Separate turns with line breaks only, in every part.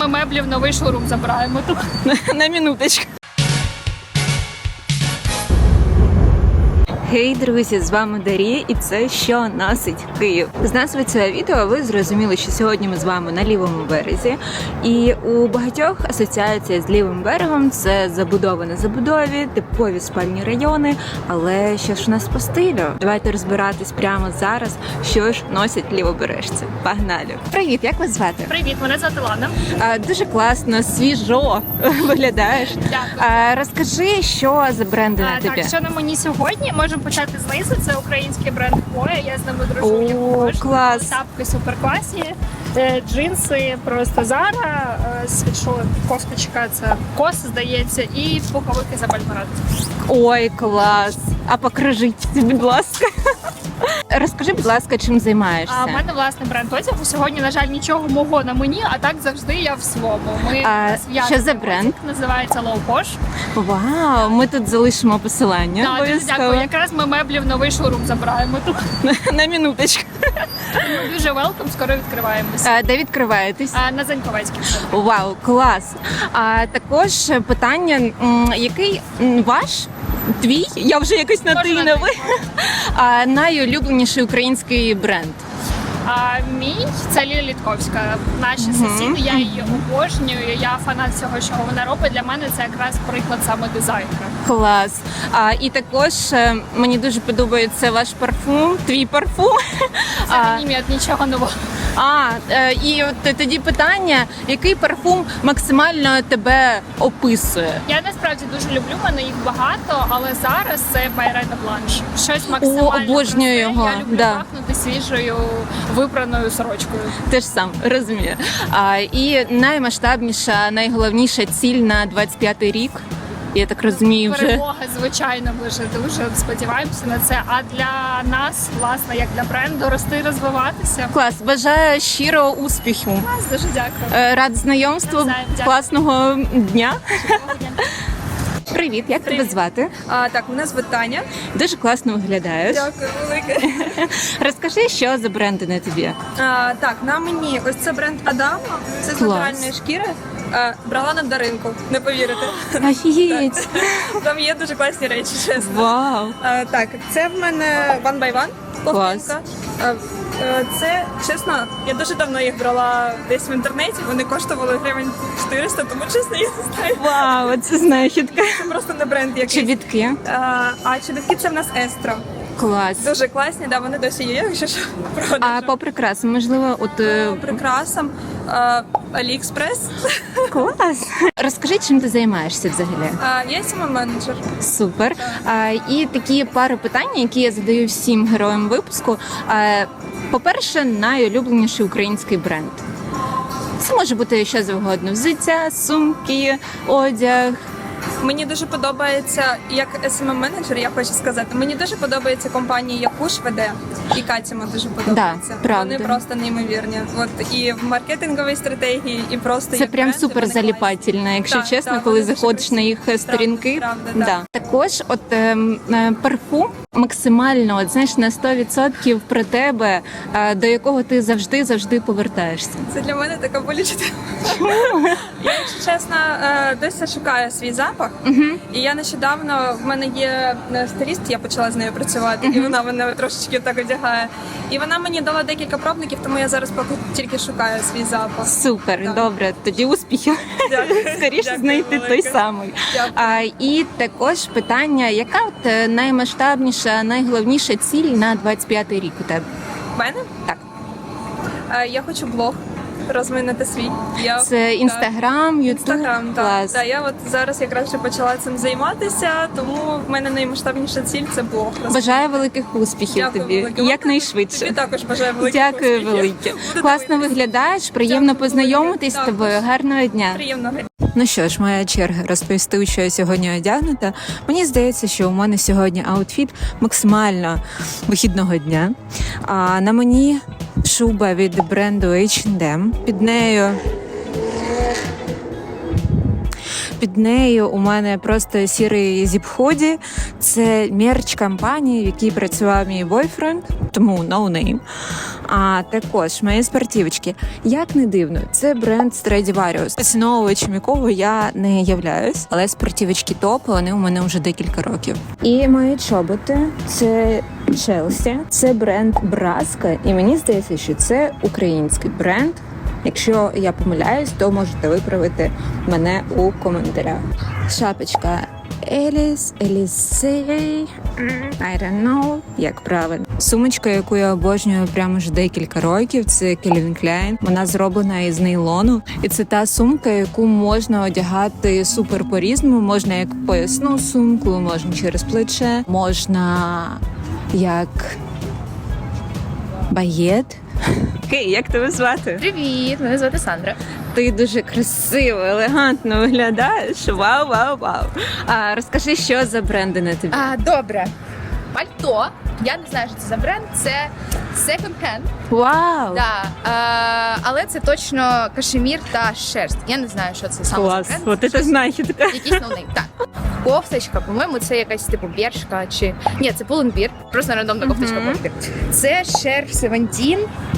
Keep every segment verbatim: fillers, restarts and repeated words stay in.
ми меблі в новий шоурум забираємо тут.
На минуточку. Гей, друзі, з вами Дарія, і це «Що носить Київ?». З назви цього відео ви зрозуміли, що сьогодні ми з вами на лівому березі. І у багатьох асоціація з лівим берегом – це забудова на забудові, типові спальні райони. Але що ж у нас по стилю? Давайте розбиратись прямо зараз, що ж носять лівобережці. Погнали! Привіт, як вас звати?
Привіт, мене звати Лана.
А, дуже класно, свіжо виглядаєш.
Дякую.
А, розкажи, що за бренди на
А,
тобі?
так, що на мені сьогодні? Можемо почати знизу. Це український бренд Хвоя. Я з ними дружу.
О,
я обожнюю.
клас.
Тапки суперкласні, е, джинси просто Зара, е, світшот, кофточка, це кос, здається, і пуховики за Бальмарат.
Ой, клас! А покажіть, будь ласка. Розкажи, будь ласка, чим займаєшся?
А в мене власний бренд одягу. Сьогодні, на жаль, нічого мого на мені, а так завжди я в своєму. Ми
А
зв'язані.
що за бренд?
Називається Low Posh.
Вау, ми тут залишимо посилання.
Так, дуже дякую. Якраз ми меблі в новий шоурум забираємо тут.
На минуточку.
Ми дуже велком, скоро відкриваємося.
А, де відкриваєтесь?
А, на Заньковецькій.
Вау, клас! А також питання, м, який м, ваш, твій, я вже якось на ти
Можна
на
на
ви, а, найулюбленіший український бренд?
А мій це Ліля Літковська. Наші сусіди, я її обожнюю. Я фанат всього, що вона робить. Для мене це якраз приклад саме дизайнера.
Клас. А, і також е, мені дуже подобається ваш парфум, твій парфум.
Це
А,
мені від нічого нового.
а е, і от тоді питання, який парфум максимально тебе описує?
Я насправді дуже люблю, в мене їх багато, але зараз це Байрета Бланш. Щось максимально
О, обожнюю
просте.
його,
Я люблю
да.
пахнути свіжою випраною сорочкою.
Те ж сам, розумію. А, і наймасштабніша, найголовніша ціль на двадцять п'ятий рік. Я так розумію, вже
Перемога, звичайно, ми вже дуже сподіваємося на це. А для нас, власне, як для бренду, рости, розвиватися.
клас. Бажаю щирого успіху.
Вас дуже дякую.
Е, Рад знайомству,
Навзаєм, дякую.
класного дня.
Чудового дня.
Привіт, як тебе
Привіт.
звати?
А, так, мене звуть Таня.
Дуже класно виглядаєш.
Дякую, велике.
Розкажи, що за бренди на тобі?
А, так, на мені ось це бренд Адама. Це з
Клас.
натуральної шкіри. А, брала на даринку, не повірите.
Офігеть!
Там є дуже класні речі, чесно.
Вау!
А, так, це в мене One by One.
Клас.
ковтинка. А, е, це, чесно, я дуже давно їх брала десь в інтернеті. Вони коштували гривень чотириста, тому чесно, я не знаю.
Вау, це знахідка.
Це просто не бренд якийсь.
Чобітки.
А, а чобітки це в нас Естро.
Клас.
Дуже класні, да, вони досі є, якщо що,
А
продажу.
по прикрасам, можливо, от е,
По прикрасам а, Аліекспрес.
клас. Розкажи, чим ти займаєшся взагалі?
А, я сама менеджер.
Супер. А, і такі пару питань, які я задаю всім героям випуску. А, по-перше, найулюбленіший український бренд. Це може бути що завгодно: взуття, сумки, одяг.
Мені дуже подобається, як ес ем ем-менеджер, я хочу сказати, мені дуже подобається компанія Якуш веде, і Катіма дуже подобається.
Да, правда.
Вони просто неймовірні. От і в маркетинговій стратегії, і просто
Це
як
прям
бренди,
супер
вони класні.
заліпательно, якщо
Так,
чесно,
так,
коли
вони дуже
заходиш на їх
красиві.
сторінки.
Правда, правда,
да. Також, от ем, е, парфум максимально, от знаєш, на сто відсотків про тебе, е, до якого ти завжди завжди повертаєшся.
Це для мене така болюча тема. Я, якщо чесно, е, досі шукаю свій запах. І я нещодавно, в мене є е, стиліст, я почала з нею працювати, і вона мене трошечки так одягає. І вона мені дала декілька пробників, тому я зараз поки тільки шукаю свій запах.
Супер,
Так.
добре, тоді успіхів.
Дякую.
Скоріше
Дякую
знайти той
велике.
самий.
Дякую.
А, і також питання, яка от е, наймасштабніша, найголовніша ціль на двадцять п'ятий рік у тебе?
В мене?
Так.
Е, Я хочу блог розвинути свій. Я,
Це інстаграм, ютуб?
Інстаграм, так.
Клас.
Да, я от зараз якраз вже почала цим займатися, тому в мене наймасштабніша ціль це блог.
Бажаю великих успіхів
Дякую
тобі,
велике.
якнайшвидше.
Тобі також бажаю великих
Дякую
успіхів.
велике.
Буду
Класно
дивитися.
виглядаєш, приємно
Дякую
познайомитись з
велике.
тобою. Гарного дня.
Приємно.
Ну що ж, моя черга розповісти, у що я сьогодні одягнута. Мені здається, що у мене сьогодні аутфіт максимально вихідного дня. А на мені шуба від бренду ейч енд ем. Під нею Під нею у мене просто сірий зіп-худі. Це мерч компанії, в якій працював мій бойфренд, тому no name. А також мої спортивочки. Як не дивно, це бренд Stradivarius, поціновувачем якого я не являюсь, але спортивочки топ, вони у мене вже декілька років. І мої чоботи це Chelsea, це бренд Браска, і мені здається, що це український бренд. Якщо я помиляюсь, то можете виправити мене у коментарях. Шапочка Еліс, Елісей, I don't know, як правильно. Сумочка, яку я обожнюю прямо вже декілька років, це Calvin Klein. Вона зроблена із нейлону. І це та сумка, яку можна одягати супер по-різному. Можна як поясну сумку, можна через плече, можна як багет. Окей, як тебе звати?
Привіт, мене звати Сандра.
Ти дуже красиво, елегантно виглядаєш. Вау, вау, вау. А розкажи, що за бренди на тобі?
А, добре. Пальто. Я не знаю, що це за бренд. Це second-hand.
Вау!
Да. А, але це точно кашемір та шерсть. Я не знаю, що це саме
Клас,
за бренд.
от це
Щось-
знахідка.
Якийсь ноунейм. Так. Кофточка, по-моєму, це якась типу бершка чи. Ні, це пуленбір. Просто рандомна кофточка
Мгм.
пуленбір. Це шерф Севентін.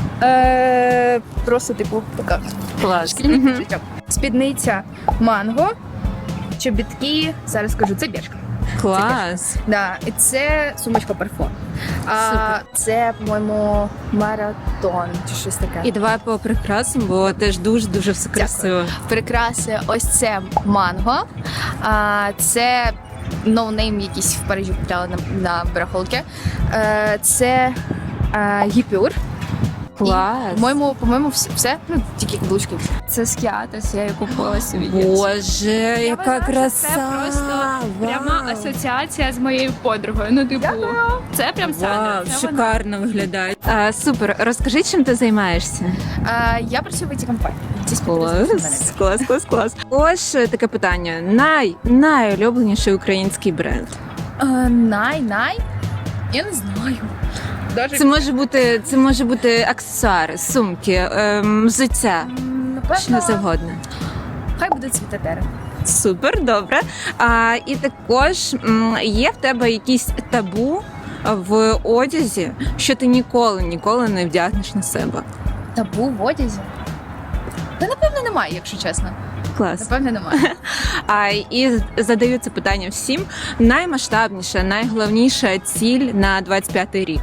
Е, просто, типу, така
Клас.
шкільний
Мгм.
життя. Спідниця манго, чобітки, зараз скажу, це бершка.
Клас.
Да, і це сумочка парфум. А,
Супер.
це, по-моєму, маратон чи щось таке.
І давай по прикрасам, бо теж дуже-дуже все красиво.
Прикраси, ось це манго. А, це ноунейм якийсь в Парижі купляла на, на барахолки. Е, це е, гіпюр.
Клас.
І, по-моєму, по-моєму, все, все. Ну, тільки каблучки. Це скіатес, я її купила собі.
Боже, яка
вважаю, що
краса!
Це просто пряма
Вау.
асоціація з моєю подругою. Ну, типу, це прям Сандра.
Вау,
Це вона.
шикарно виглядає. А, супер, розкажи, чим ти займаєшся?
А, я працюю в ай ті-компанії. Ці
Клас, клас, клас, клас. Ось е, таке питання. Най, найулюбленіший український бренд.
Най-най? Я не знаю. Даже
Це може бути, це може бути аксесуари, сумки, ем, взуття,
напевно,
що завгодно.
хай буде цвітатери.
Супер, добре. А, і також м, є в тебе якісь табу в одязі, що ти ніколи, ніколи не вдягнеш на себе.
Табу в одязі? Та напевно немає, якщо чесно.
Клас.
Напевно немає.
А, і задаю це питання всім. Наймасштабніша, найголовніша ціль на двадцять п'ятий рік.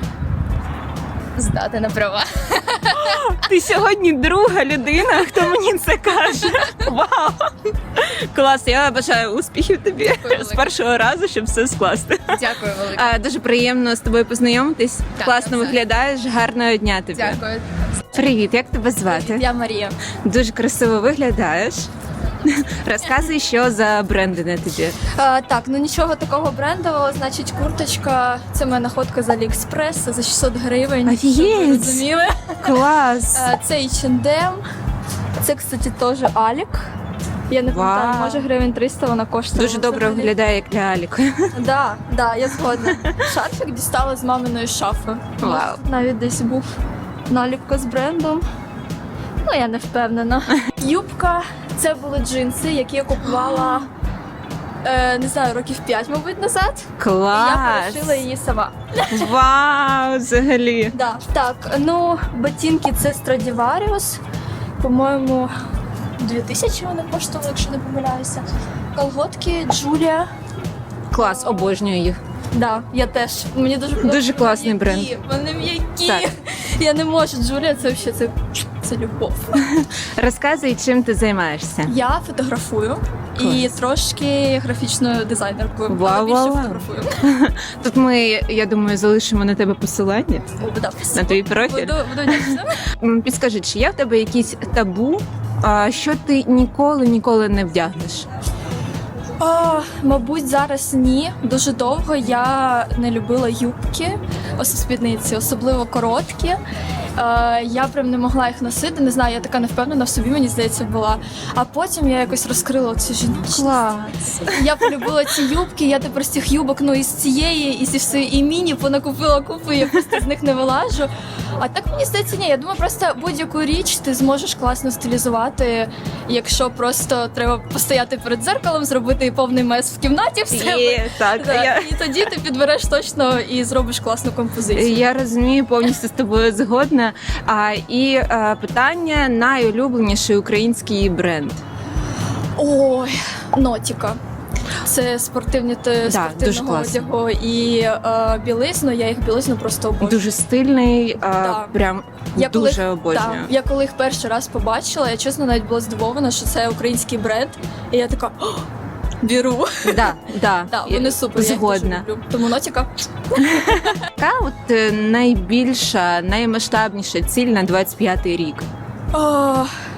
Здати на права.
Ти сьогодні друга людина, хто мені це каже. Вау! Клас, я бажаю успіхів тобі
Дякую,
з першого разу, щоб все скласти.
Дякую велике.
А, дуже приємно з тобою познайомитись.
Так,
Класно
так,
виглядаєш, гарного дня тобі.
Дякую.
Привіт, як тебе звати?
Я Марія.
Дуже красиво виглядаєш. Розказуй, що за бренди на тобі.
А, так, ну нічого такого брендового, значить, курточка, це в мене находка з Аліекспрес за шістсот гривень.
Офігеть!
Щоб ви розуміли.
Клас!
А, це ейч енд ем, це, кстати, теж Алік. Я не пам'ятаю,
Вау.
може гривень триста вона коштує.
Дуже добре
взагалі.
виглядає, як для Аліка.
Да, да, я згодна. Шарфик дістала з маминої шафи.
Вау.
Навіть десь був наліпка з брендом. Ну, я не впевнена. Юбка, це були джинси, які я купувала, е, не знаю, років п'ять, мабуть, назад. І я
Клас!
перешила її сама.
Вау, взагалі.
Да. Так, ну, ботинки це Stradivarius. По-моєму, дві тисячі вони коштували, якщо не помиляюся. Колготки Julia.
Клас, обожнюю їх.
Да, я теж. Мені дуже подобається.
Дуже класний
Вони
бренд.
м'які, Вони м'які.
Так.
Я не можу. Julia, це взагалі це, це любов.
Розказуй, чим ти займаєшся.
Я фотографую і трошки графічною дизайнеркою.
Вау,
але більше
вау, вау.
фотографую.
Тут ми, я думаю, залишимо на тебе посилання
О, да,
на твій профіль.
Буду, буду вдячна.
М, Підскажи, чи є в тебе якісь табу, а, що ти ніколи ніколи не вдягнеш?
О, мабуть, зараз ні. Дуже довго я не любила юбки, ось спідниці, особливо короткі. Е, я прям не могла їх носити. Не знаю, я така невпевнена в собі, мені здається, була. А потім я якось розкрила цю жіночність.
Клас!
Я полюбила ці юбки, я тепер з цих юбок, ну і з цієї, і зі всієї і міні понакупила купу, я просто з них не вилажу. А так мені здається, ні. Я думаю, просто будь-яку річ ти зможеш класно стилізувати, якщо просто треба постояти перед дзеркалом, зробити повний мес в кімнаті в себе.
Є, так,
Да,
я...
І тоді ти підбереш точно і зробиш класну композицію.
Я розумію, повністю з тобою згодна. А, і е, питання: найулюбленіший український бренд.
Ой, Нотіка. Це спортивні те
дуже
спортивного
класно.
одягу і е, білизну. Я їх білизну просто обожнюю.
Дуже стильний, е,
Да.
прям
Я коли,
дуже обожнюю.
Так, я коли їх перший раз побачила, я чесно навіть була здивована, що це український бренд. І я така «О, беру.
Да, да,
Да, вони супер. Я їх
Згодна.
дуже люблю. Тому Нотіка.
Яка от е, найбільша, наймасштабніша ціль на двадцять п'ятий рік?
О,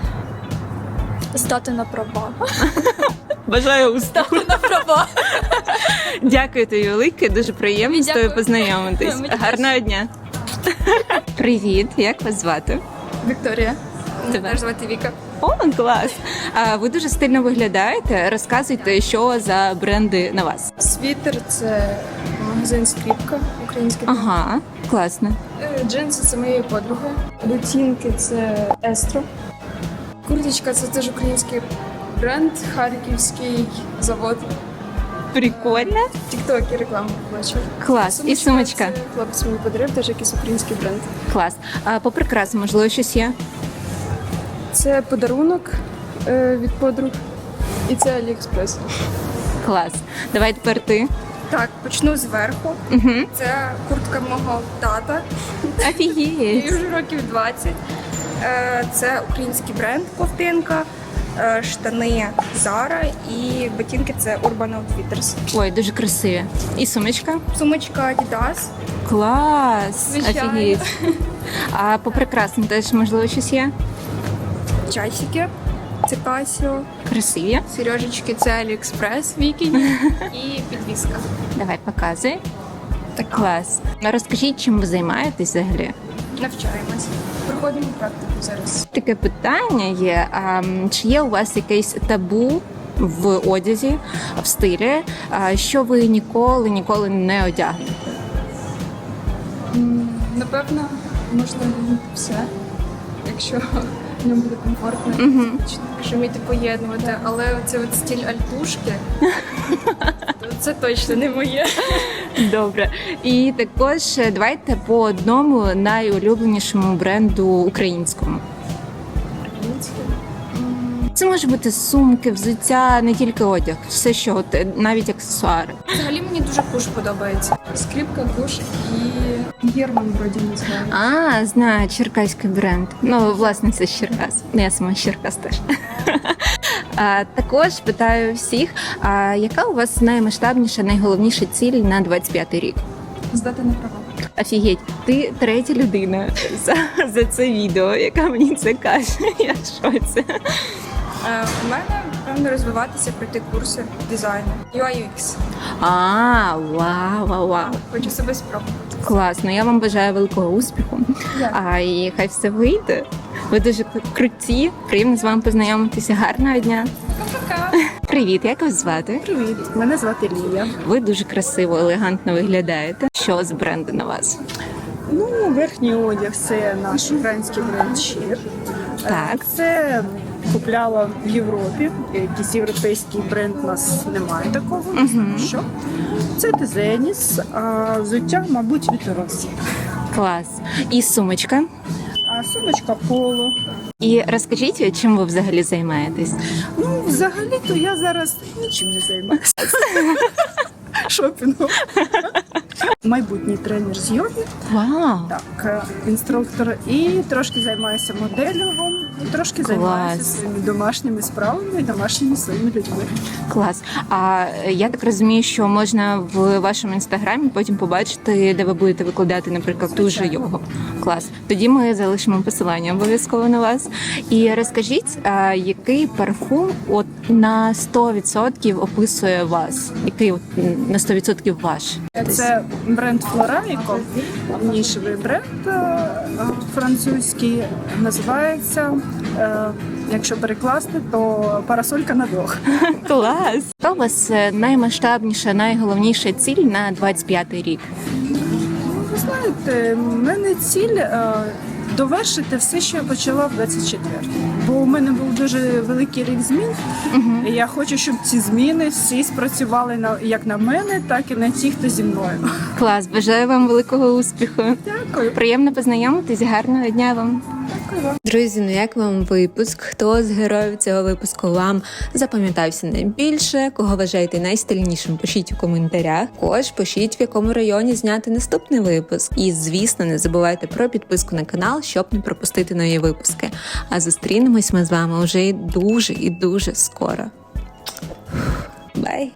здати на права.
Бажаю успіху.
На права.
Дякую тобі велике, дуже приємно з тобою
Дякую.
познайомитись.
Мені теж.
Гарного дня. Привіт, як вас звати?
Вікторія.
Тебе.
Теж звати Віка.
О, клас! А ви дуже стильно виглядаєте. Розказуйте, що за бренди на вас.
Світер це магазин Скріпка український.
Ага, класно.
Е, Джинси це моєї подруги. Ботинки це Естро. Курточка це теж український бренд, харківський завод.
Прикольно.
В Тіктокі рекламу бачу.
Клас. І сумочка.
Це хлопець мені подарив, теж якийсь український бренд.
Клас. А по прикрасам, можливо, щось є?
Це подарунок е, від подруг. І це Аліекспрес.
Клас. Давай тепер ти.
Так, почну зверху.
Угу.
Це куртка мого тата. Їй
Офігеть.
вже років двадцять. Е, Це український бренд ковтинка, е, штани Zara і ботинки це Urban Outfitters.
Ой, дуже красиві. І сумочка?
Сумочка Adidas.
Клас.
Звичайно.
Офігеть. А по прикрасам теж, можливо, щось є?
Часики. Це Casio.
Красиві.
Сережечки це AliExpress Вікіні. І підвіска.
Давай, показуй. Так. Клас. Ну, розкажіть, чим ви займаєтесь взагалі?
Навчаємось. Проходимо практику зараз.
Таке питання є. А, м, чи є у вас якесь табу в одязі, в стилі, а, що ви ніколи, ніколи не одягнете?
М, Напевно, можна все, якщо в ньому буде комфортно.
Угу.
Що вміти поєднувати, але оце от стиль альтушки, то це точно не моє.
Добре. І також е, давайте по одному найулюбленішому бренду українському. Це може бути сумки, взуття, не тільки одяг, все що, от, е, навіть аксесуари.
Взагалі мені дуже куш подобається. Скрипка, куш і Герман вроді не знаю.
А, знаю, черкаський бренд. Ну, власне, це з Черкас. Ну, я сама з Черкас теж. А, також питаю всіх, а яка у вас наймасштабніша, найголовніша ціль на двадцять п'ятий рік?
Здати на права.
Офігеть, ти третя людина за, за це відео, яка мені це каже. Я в шоці.
Е, У мене, певно, розвиватися, пройти курси дизайну. ю ай ю екс.
А, вау, вау, вау.
Хочу себе спробувати.
Класно, я вам бажаю великого успіху.
Дякую.
А і хай все вийде. Ви дуже круті, приємно з вами познайомитися. Гарного дня.
Пока.
Привіт, як вас звати?
Привіт, мене звати Лія.
Ви дуже красиво, елегантно виглядаєте. Що з бренду на вас?
Ну, верхній одяг це наш український бренд Щир.
Так.
Це купляла в Європі. Якийсь європейський бренд у нас немає такого. Не знаю, що. Це Тезеніс, а взуття, мабуть, від Росії.
Клас. І сумочка.
А сумочка Поло.
І розкажіть, чим ви взагалі займаєтесь?
Ну, взагалі-то я зараз нічим не займаюся. Шопінгом. Майбутній тренер з йоги.
Вау!
Так, е, інструктор, і трошки займаюся моделінгом, і трошки займаюся
Клас.
своїми домашніми справами і домашніми своїми людьми.
Клас. А я так розумію, що можна в вашому інстаграмі потім побачити, де ви будете викладати, наприклад, ту же йогу. Клас. Тоді ми залишимо посилання обов'язково на вас. І розкажіть, а, який парфум от на сто відсотків описує вас? Який от на сто відсотків ваш?
Це бренд Флорайко, нішевий бренд е, французький, називається, е, якщо перекласти, то парасолька на двох.
Клас! Яка у вас е, наймасштабніша, найголовніша ціль на двадцять п'ятий рік?
Не знаю, знаєте, в мене ціль е, довершити все, що я почала в двадцять четвертому. Бо у мене був дуже великий рік змін. І я хочу, щоб ці зміни всі спрацювали на як на мене, так і на ті, хто зі мною.
Клас, бажаю вам великого успіху.
Дякую.
Приємно познайомитись, гарного дня вам.
Дякую вам.
Друзі, ну як вам випуск? Хто з героїв цього випуску вам запам'ятався найбільше? Кого вважаєте найстильнішим? Пишіть у коментарях. Також пишіть, в якому районі зняти наступний випуск. І, звісно, не забувайте про підписку на канал, щоб не пропустити нові випуски. А зустрінемось ми з вами вже і дуже і дуже скоро. Бай!